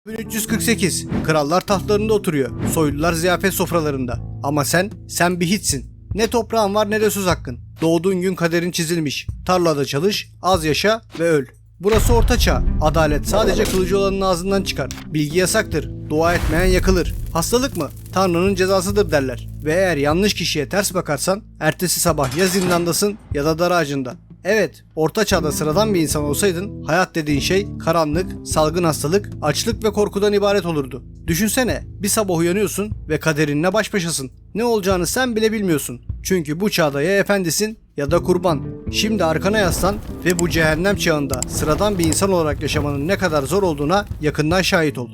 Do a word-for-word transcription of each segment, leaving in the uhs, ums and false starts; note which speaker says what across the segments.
Speaker 1: bin üç yüz kırk sekiz. Krallar tahtlarında oturuyor. Soylular ziyafet sofralarında. Ama sen, sen bir hiçsin. Ne toprağın var ne de söz hakkın. Doğduğun gün kaderin çizilmiş. Tarlada çalış, az yaşa ve öl. Burası orta çağ. Adalet sadece kılıcı olanın ağzından çıkar. Bilgi yasaktır. Dua etmeyen yakılır. Hastalık mı? Tanrı'nın cezasıdır derler. Ve eğer yanlış kişiye ters bakarsan ertesi sabah ya zindandasın ya da dar ağacında. Evet, orta çağda sıradan bir insan olsaydın hayat dediğin şey karanlık, salgın hastalık, açlık ve korkudan ibaret olurdu. Düşünsene, bir sabah uyanıyorsun ve kaderinle baş başasın. Ne olacağını sen bile bilmiyorsun. Çünkü bu çağda ya efendisin ya da kurban. Şimdi arkana yaslan ve bu cehennem çağında sıradan bir insan olarak yaşamanın ne kadar zor olduğuna yakından şahit ol.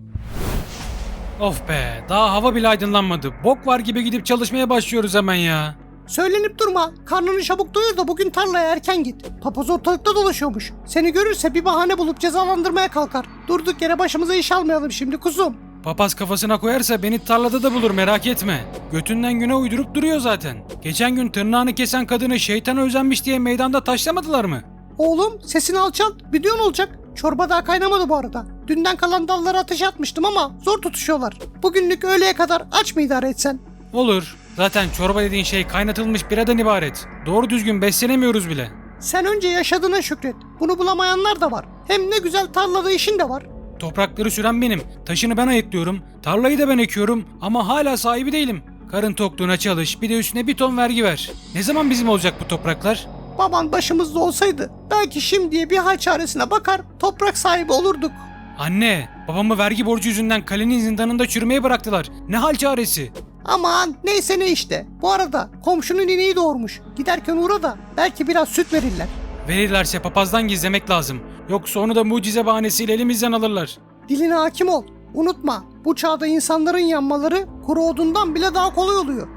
Speaker 2: Of be, daha hava bile aydınlanmadı. Bok var gibi gidip çalışmaya başlıyoruz hemen ya.
Speaker 3: Söylenip durma. Karnını çabuk doyur da bugün tarlaya erken git. Papaz ortalıkta dolaşıyormuş. Seni görürse bir bahane bulup cezalandırmaya kalkar. Durduk yere başımıza iş almayalım şimdi kuzum.
Speaker 2: Papaz kafasına koyarsa beni tarlada da bulur, merak etme. Götünden güne uydurup duruyor zaten. Geçen gün tırnağını kesen kadını şeytana özenmiş diye meydanda taşlamadılar mı?
Speaker 3: Oğlum sesini alçalt. Biliyorsun olacak. Çorba daha kaynamadı bu arada. Dünden kalan dallara ateş atmıştım ama zor tutuşuyorlar. Bugünlük öğleye kadar aç mı idare etsen?
Speaker 2: Olur. Zaten çorba dediğin şey kaynatılmış biradan ibaret. Doğru düzgün beslenemiyoruz bile.
Speaker 3: Sen önce yaşadığına şükret. Bunu bulamayanlar da var. Hem ne güzel tarlada işin de var.
Speaker 2: Toprakları süren benim. Taşını ben ayıklıyorum. Tarlayı da ben ekiyorum. Ama hala sahibi değilim. Karın tokluğuna çalış. Bir de üstüne bir ton vergi ver. Ne zaman bizim olacak bu topraklar?
Speaker 3: Baban başımızda olsaydı belki şimdiye bir hal çaresine bakar toprak sahibi olurduk.
Speaker 2: Anne, babamı vergi borcu yüzünden kalenin zindanında çürümeye bıraktılar. Ne hal çaresi?
Speaker 3: Aman neyse ne işte. Bu arada komşunun ineği doğurmuş. Giderken uğra da belki biraz süt verirler.
Speaker 2: Verirlerse papazdan gizlemek lazım. Yoksa onu da mucize bahanesiyle elimizden alırlar.
Speaker 3: Diline hakim ol. Unutma bu çağda insanların yanmaları kuru odundan bile daha kolay oluyor.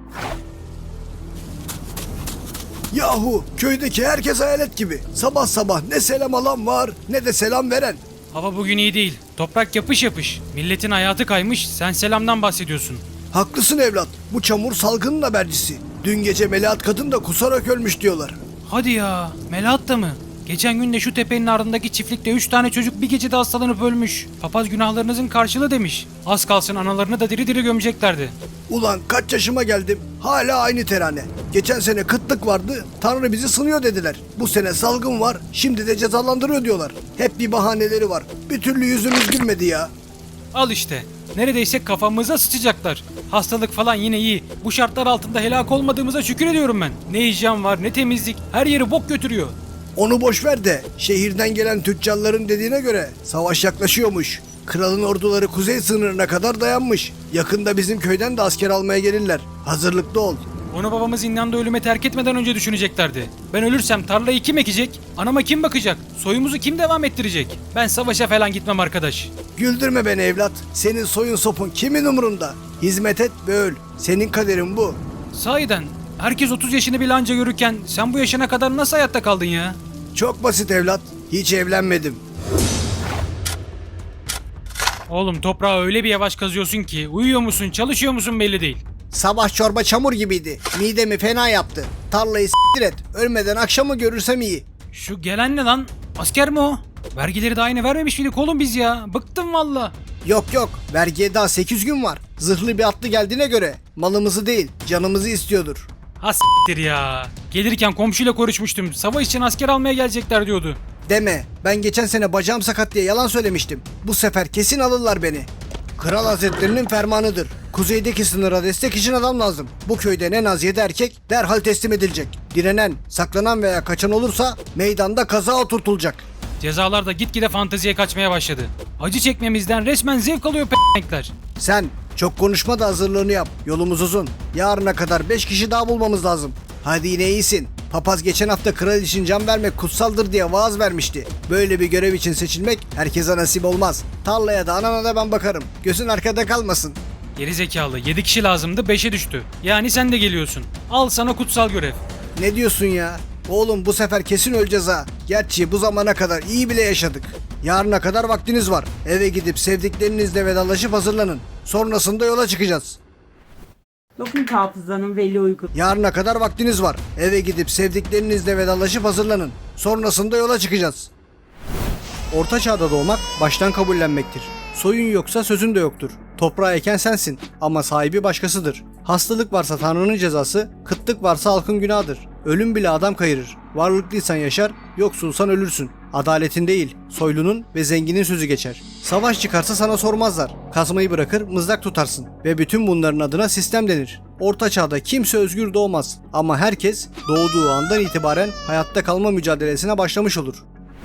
Speaker 1: Yahu köydeki herkes hayalet gibi. Sabah sabah ne selam alan var ne de selam veren.
Speaker 2: Hava bugün iyi değil. Toprak yapış yapış. Milletin hayatı kaymış, sen selamdan bahsediyorsun.
Speaker 1: Haklısın evlat. Bu çamur salgının habercisi. Dün gece Melahat kadın da kusarak ölmüş diyorlar.
Speaker 2: Hadi ya, Melahat da mı? Geçen gün de şu tepenin ardındaki çiftlikte üç tane çocuk bir gecede hastalanıp ölmüş. Papaz günahlarınızın karşılığı demiş. Az kalsın analarını da diri diri gömeceklerdi.
Speaker 1: Ulan kaç yaşıma geldim hala aynı terane. Geçen sene kıtlık vardı, Tanrı bizi sınıyor dediler. Bu sene salgın var, şimdi de cezalandırıyor diyorlar. Hep bir bahaneleri var. Bir türlü yüzümüz gülmedi ya.
Speaker 2: Al işte. Neredeyse kafamıza sıçacaklar. Hastalık falan yine iyi. Bu şartlar altında helak olmadığımıza şükür ediyorum ben. Ne hijyen var ne temizlik. Her yeri bok götürüyor.
Speaker 1: Onu boş ver de şehirden gelen tüccarların dediğine göre savaş yaklaşıyormuş. Kralın orduları kuzey sınırına kadar dayanmış. Yakında bizim köyden de asker almaya gelirler. Hazırlıklı ol.
Speaker 2: Onu babamı zindanda ölüme terk etmeden önce düşüneceklerdi. Ben ölürsem tarlayı kim ekecek? Anama kim bakacak? Soyumuzu kim devam ettirecek? Ben savaşa falan gitmem arkadaş.
Speaker 1: Güldürme beni evlat. Senin soyun sopun kimin umurunda? Hizmet et ve öl. Senin kaderin bu.
Speaker 2: Sahiden herkes otuz yaşını bile anca görürken sen bu yaşına kadar nasıl hayatta kaldın ya?
Speaker 1: Çok basit evlat. Hiç evlenmedim.
Speaker 2: Oğlum toprağı öyle bir yavaş kazıyorsun ki uyuyor musun çalışıyor musun belli değil.
Speaker 1: Sabah çorba çamur gibiydi. Midemi fena yaptı. Tarlayı s**tir et. Ölmeden akşamı görürsem iyi.
Speaker 2: Şu gelen ne lan? Asker mi o? Vergileri daha yine vermemiş miydik oğlum biz ya? Bıktım valla.
Speaker 1: Yok yok. Vergiye daha sekiz gün var. Zırhlı bir atlı geldiğine göre malımızı değil canımızı istiyordur.
Speaker 2: Ha s**tir ya. Gelirken komşuyla konuşmuştum. Savaş için asker almaya gelecekler diyordu.
Speaker 1: Deme. Ben geçen sene bacağım sakat diye yalan söylemiştim. Bu sefer kesin alırlar beni. Kral Hazretlerinin fermanıdır. Kuzeydeki sınıra destek için adam lazım. Bu köyde en az yedi erkek derhal teslim edilecek. Direnen, saklanan veya kaçan olursa meydanda kaza oturtulacak.
Speaker 2: Cezalar da gitgide fanteziye kaçmaya başladı. Acı çekmemizden resmen zevk alıyor p***ler.
Speaker 1: Sen çok konuşma da hazırlığını yap. Yolumuz uzun. Yarına kadar beş kişi daha bulmamız lazım. Hadi yine iyisin. Papaz geçen hafta kral için can vermek kutsaldır diye vaaz vermişti. Böyle bir görev için seçilmek herkese nasip olmaz. Tarlaya da anana da ben bakarım. Gözün arkada kalmasın.
Speaker 2: Geri zekalı yedi kişi lazımdı beşe düştü. Yani sen de geliyorsun. Al sana kutsal görev.
Speaker 1: Ne diyorsun ya? Oğlum bu sefer kesin öleceğiz ha. Gerçi bu zamana kadar iyi bile yaşadık. Yarına kadar vaktiniz var. Eve gidip sevdiklerinizle vedalaşıp hazırlanın. Sonrasında yola çıkacağız.
Speaker 4: Dokun hafızanın veli uygun.
Speaker 1: Yarına kadar vaktiniz var. Eve gidip sevdiklerinizle vedalaşıp hazırlanın. Sonrasında yola çıkacağız. Orta çağda doğmak baştan kabullenmektir. Soyun yoksa sözün de yoktur. Toprağı eken sensin ama sahibi başkasıdır. Hastalık varsa Tanrı'nın cezası, kıtlık varsa halkın günahıdır. Ölüm bile adam kayırır. Varlıklıysan yaşar, yoksulsan ölürsün. Adaletin değil, soylunun ve zenginin sözü geçer. Savaş çıkarsa sana sormazlar. Kazmayı bırakır, mızrak tutarsın. Ve bütün bunların adına sistem denir. Orta çağda kimse özgür doğmaz. Ama herkes doğduğu andan itibaren hayatta kalma mücadelesine başlamış olur.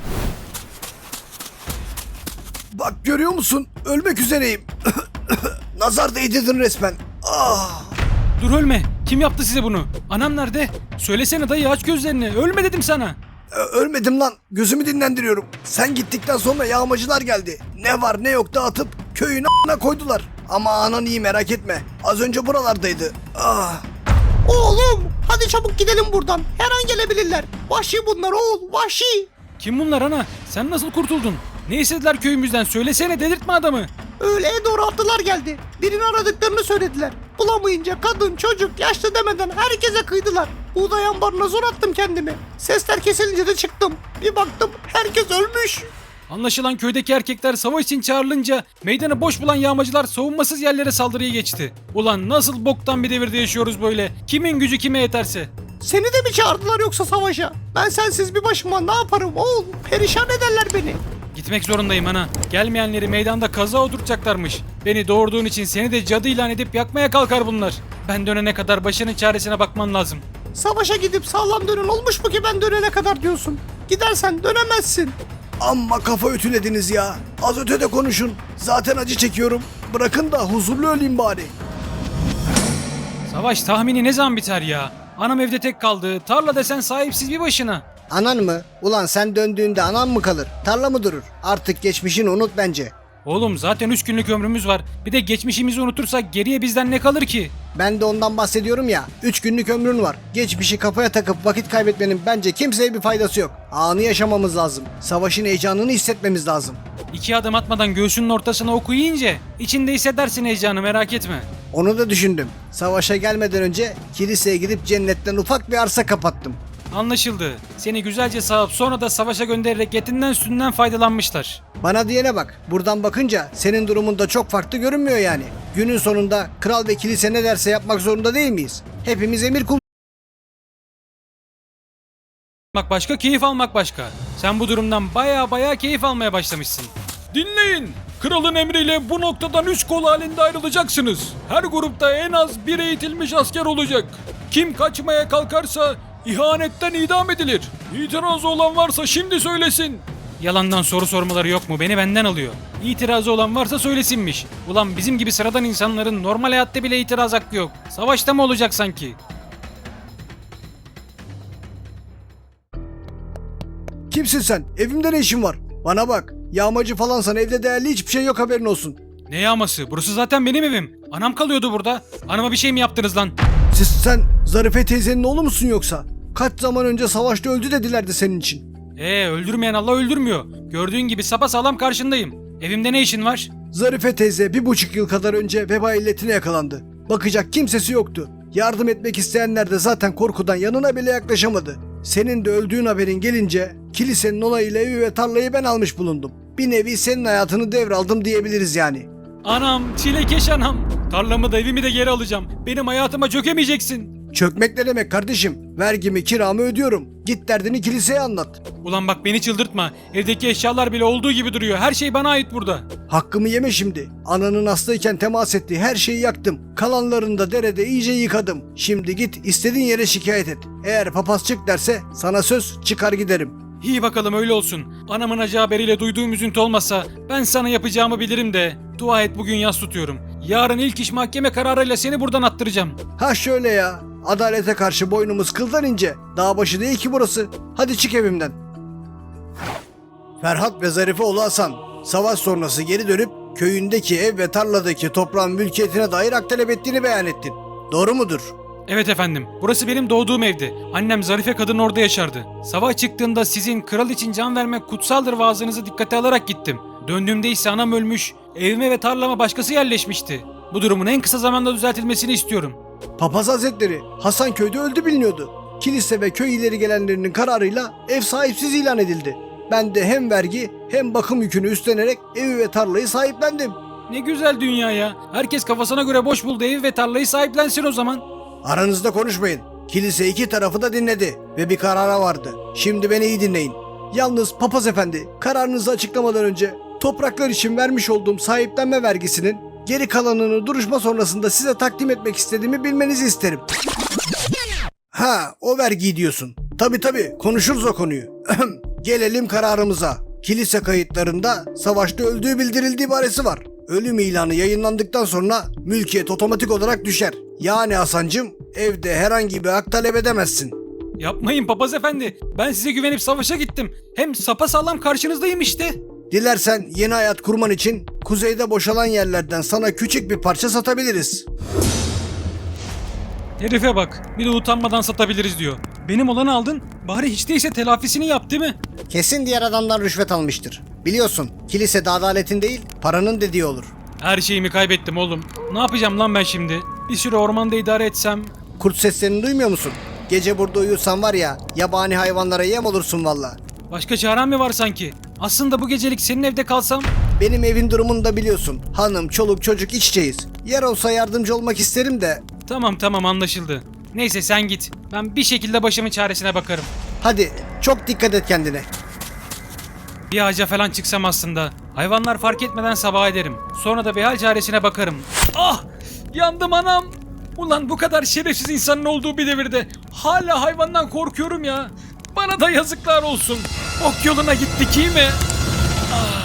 Speaker 1: Bak görüyor musun? Ölmek üzereyim. Nazar değdirdin resmen. Ah!
Speaker 2: Dur ölme. Kim yaptı size bunu? Anam nerede? Söylesene dayı, aç gözlerini. Ölme dedim sana.
Speaker 1: Ö- Ölmedim lan. Gözümü dinlendiriyorum. Sen gittikten sonra yağmacılar geldi. Ne var ne yok dağıtıp köyün a**ına koydular. Ama anan iyi, merak etme. Az önce buralardaydı. Ah!
Speaker 3: Oğlum hadi çabuk gidelim buradan. Her an gelebilirler. Vahşi bunlar oğul, vahşi.
Speaker 2: Kim bunlar ana? Sen nasıl kurtuldun? Ne istediler köyümüzden? Söylesene, delirtme adamı.
Speaker 3: Öğleye doğru atlılar geldi. Birini aradıklarını söylediler. Bulamayınca kadın, çocuk, yaşlı demeden herkese kıydılar. Buğday ambarına zor attım kendimi. Sesler kesilince de çıktım. Bir baktım herkes ölmüş.
Speaker 2: Anlaşılan köydeki erkekler savaş için çağrılınca meydanı boş bulan yağmacılar savunmasız yerlere saldırıya geçti. Ulan nasıl boktan bir devirde yaşıyoruz böyle? Kimin gücü kime yeterse.
Speaker 3: Seni de mi çağırdılar yoksa savaşa? Ben sensiz bir başıma ne yaparım oğul? Perişan ederler beni.
Speaker 2: Gitmek zorundayım ana. Gelmeyenleri meydanda kaza oturtacaklarmış. Beni doğurduğun için seni de cadı ilan edip yakmaya kalkar bunlar. Ben dönene kadar başının çaresine bakman lazım.
Speaker 3: Savaşa gidip sağlam dönen olmuş mu ki ben dönene kadar diyorsun? Gidersen dönemezsin.
Speaker 1: Amma kafa ütülediniz ya. Az ötede konuşun. Zaten acı çekiyorum. Bırakın da huzurlu öleyim bari.
Speaker 2: Savaş tahmini ne zaman biter ya? Anam evde tek kaldı. Tarla desen sahipsiz bir başına.
Speaker 1: Anan mı? Ulan sen döndüğünde anan mı kalır? Tarla mı durur? Artık geçmişini unut bence.
Speaker 2: Oğlum zaten üç günlük ömrümüz var. Bir de geçmişimizi unutursak geriye bizden ne kalır ki?
Speaker 1: Ben de ondan bahsediyorum ya. Üç günlük ömrün var. Geçmişi kafaya takıp vakit kaybetmenin bence kimseye bir faydası yok. Anı yaşamamız lazım. Savaşın heyecanını hissetmemiz lazım.
Speaker 2: İki adım atmadan göğsünün ortasına oku yiyince içinde hissedersin heyecanı, merak etme.
Speaker 1: Onu da düşündüm. Savaşa gelmeden önce kiliseye gidip cennetten ufak bir arsa kapattım.
Speaker 2: Anlaşıldı. Seni güzelce sağıp sonra da savaşa göndererek etinden sütünden faydalanmışlar.
Speaker 1: Bana diyene bak. Buradan bakınca senin durumunda çok farklı görünmüyor yani. Günün sonunda kral ve kilise ne derse yapmak zorunda değil miyiz? Hepimiz emir kul...
Speaker 2: Bak başka, keyif almak başka. Sen bu durumdan baya baya keyif almaya başlamışsın. Dinleyin. Kralın emriyle bu noktadan üç kol halinde ayrılacaksınız. Her grupta en az bir eğitilmiş asker olacak. Kim kaçmaya kalkarsa ihanetten idam edilir. İtirazı olan varsa şimdi söylesin. Yalandan soru sormaları yok mu? Beni benden alıyor. İtirazı olan varsa söylesinmiş. Ulan bizim gibi sıradan insanların normal hayatta bile itiraz hakkı yok. Savaşta mı olacak sanki?
Speaker 1: Kimsin sen? Evimde ne işin var? Bana bak. Yağmacı falansan evde değerli hiçbir şey yok, haberin olsun.
Speaker 2: Ne yağması? Burası zaten benim evim. Anam kalıyordu burada. Anama bir şey mi yaptınız lan?
Speaker 1: Siz sen Zarife teyzenin oğlu musun yoksa? Kaç zaman önce savaşta öldü dedilerdi senin için.
Speaker 2: Ee öldürmeyen Allah öldürmüyor. Gördüğün gibi sapasağlam karşındayım. Evimde ne işin var?
Speaker 1: Zarife teyze bir buçuk yıl kadar önce veba illetine yakalandı. Bakacak kimsesi yoktu. Yardım etmek isteyenler de zaten korkudan yanına bile yaklaşamadı. Senin de öldüğün haberin gelince kilisenin onayıyla evi ve tarlayı ben almış bulundum. Bir nevi senin hayatını devraldım diyebiliriz yani.
Speaker 2: Anam, çilekeş anam. Tarlamı da evimi de geri alacağım. Benim hayatıma çökemeyeceksin.
Speaker 1: Çökmek ne demek kardeşim? Vergimi, kiramı ödüyorum. Git derdini kiliseye anlat.
Speaker 2: Ulan bak beni çıldırtma. Evdeki eşyalar bile olduğu gibi duruyor. Her şey bana ait burada.
Speaker 1: Hakkımı yeme şimdi. Ananın hastayken temas ettiği her şeyi yaktım. Kalanlarını da derede iyice yıkadım. Şimdi git istediğin yere şikayet et. Eğer papaz çık derse sana söz çıkar giderim.
Speaker 2: İyi bakalım öyle olsun. Anamın acı haberiyle duyduğum üzüntü olmasa ben sana yapacağımı bilirim de. Dua et, bugün yas tutuyorum. Yarın ilk iş mahkeme kararıyla seni buradan attıracağım.
Speaker 1: Ha şöyle ya. Adalete karşı boynumuz kıldan ince. Dağ başı değil ki burası. Hadi çık evimden. Ferhat ve Zarife oğlu Hasan savaş sonrası geri dönüp köyündeki ev ve tarladaki toprağın mülkiyetine dair hak talep ettiğini beyan ettin. Doğru mudur?
Speaker 2: Evet efendim. Burası benim doğduğum evdi. Annem Zarife kadın orada yaşardı. Savaş çıktığında sizin kral için can vermek kutsaldır vaazınızı dikkate alarak gittim. Döndüğümde ise anam ölmüş, evime ve tarlama başkası yerleşmişti. Bu durumun en kısa zamanda düzeltilmesini istiyorum.
Speaker 1: Papaz Hazretleri Hasanköy'de öldü biliniyordu. Kilise ve köy ileri gelenlerinin kararıyla ev sahipsiz ilan edildi. Ben de hem vergi hem bakım yükünü üstlenerek evi ve tarlayı sahiplendim.
Speaker 2: Ne güzel dünya ya. Herkes kafasına göre boş bulduğu evi ve tarlayı sahiplensin o zaman.
Speaker 1: Aranızda konuşmayın. Kilise iki tarafı da dinledi ve bir karara vardı. Şimdi beni iyi dinleyin. Yalnız papaz efendi, kararınızı açıklamadan önce topraklar için vermiş olduğum sahiplenme vergisinin geri kalanını duruşma sonrasında size takdim etmek istediğimi bilmenizi isterim. Ha, o vergiyi diyorsun. Tabi tabi, konuşuruz o konuyu. Gelelim kararımıza. Kilise kayıtlarında savaşta öldüğü bildirildiği ibaresi var. Ölüm ilanı yayınlandıktan sonra mülkiyet otomatik olarak düşer. Yani Hasancım, evde herhangi bir hak talep edemezsin.
Speaker 2: Yapmayın papaz efendi. Ben size güvenip savaşa gittim. Hem sapasağlam karşınızdayım işte.
Speaker 1: Dilersen yeni hayat kurman için kuzeyde boşalan yerlerden sana küçük bir parça satabiliriz.
Speaker 2: Herife bak. Bir de utanmadan satabiliriz diyor. Benim olanı aldın. Bari hiç değilse telafisini yap değil mi?
Speaker 1: Kesin diğer adamdan rüşvet almıştır. Biliyorsun, kilisede adaletin değil, paranın dediği olur.
Speaker 2: Her şeyimi kaybettim oğlum. Ne yapacağım lan ben şimdi? Bir süre ormanda idare etsem.
Speaker 1: Kurt seslerini duymuyor musun? Gece burada uyursan var ya, yabani hayvanlara yem olursun valla.
Speaker 2: Başka çarem mi var sanki? Aslında bu gecelik senin evde kalsam.
Speaker 1: Benim evin durumunu da biliyorsun. Hanım, çoluk, çocuk iç içeyiz. Yer olsa yardımcı olmak isterim de.
Speaker 2: Tamam tamam anlaşıldı. Neyse sen git. Ben bir şekilde başımın çaresine bakarım.
Speaker 1: Hadi, çok dikkat et kendine.
Speaker 2: Bir ağaca falan çıksam aslında. Hayvanlar fark etmeden sabaha ederim. Sonra da bir hal çaresine bakarım. Ah! Yandım anam! Ulan bu kadar şerefsiz insanın olduğu bir devirde hala hayvandan korkuyorum ya. Bana da yazıklar olsun. Ok yoluna gittik iyi mi? Ah!